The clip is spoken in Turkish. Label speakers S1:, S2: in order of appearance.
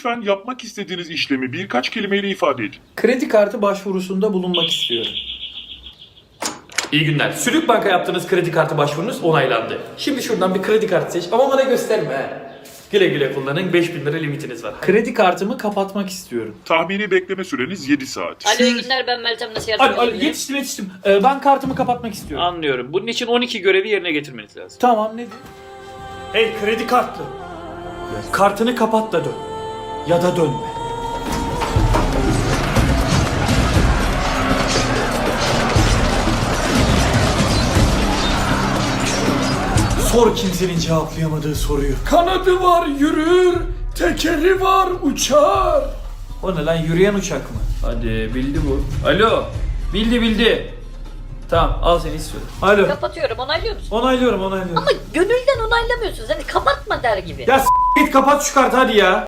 S1: Lütfen yapmak istediğiniz işlemi birkaç kelimeyle ifade edin.
S2: Kredi kartı başvurusunda bulunmak istiyorum. İyi günler. Sülük Bank'a yaptığınız kredi kartı başvurunuz onaylandı. Şimdi şuradan bir kredi kartı seç ama bana gösterme he. Güle güle kullanın, 5000 lira limitiniz var. Kredi kartımı kapatmak istiyorum.
S1: Tahmini bekleme süreniz 7 saat.
S3: Alo iyi günler, ben Meltem, nasıl yardım
S2: Alo,
S3: edebilirim?
S2: yetiştim. Ben kartımı kapatmak istiyorum.
S4: Anlıyorum. Bunun için 12 görevi yerine getirmeniz lazım.
S2: Tamam, ne diyeyim? Hey kredi kartlı. Kartını kapat da dön. Ya da dönme. Sor kimsenin cevaplayamadığı soruyu. Kanadı var yürür, tekeri var uçar. O ne lan, yürüyen uçak mı? Hadi bildi bu. Alo, bildi. Tamam, al seni istiyorum. Alo.
S3: Kapatıyorum, onaylıyor musun?
S2: Onaylıyorum.
S3: Ama gönülden onaylamıyorsunuz, hani kapatma der gibi.
S2: Ya git kapat şu kartı hadi ya.